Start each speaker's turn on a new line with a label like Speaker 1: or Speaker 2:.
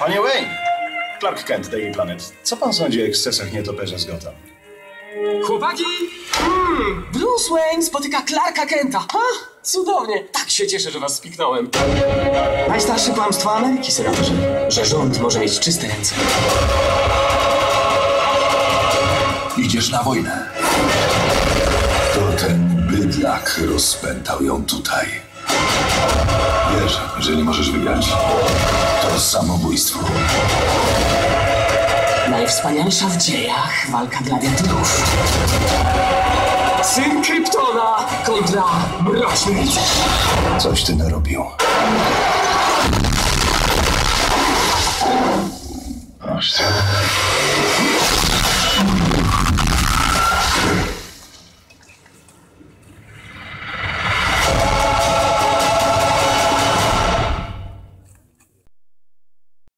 Speaker 1: Panie Wayne! Clark Kent, Daily Planet. Co pan sądzi o ekscesach nietoperza z Gotham?
Speaker 2: Chłopaki! Bruce Wayne spotyka Clarka Kenta. Ha! Cudownie! Tak się cieszę, że was spiknąłem. Najstarsze kłamstwo Ameryki, senatorze. Że rząd może mieć czyste ręce.
Speaker 3: Idziesz na wojnę. To ten bydlak rozpętał ją tutaj. Wiesz, że nie możesz wygrać. To samobójstwo.
Speaker 2: Najwspanialsza w dziejach walka gladiatorów. Syn Kryptona kontra Mroczny Rycerz.
Speaker 3: Coś ty narobił.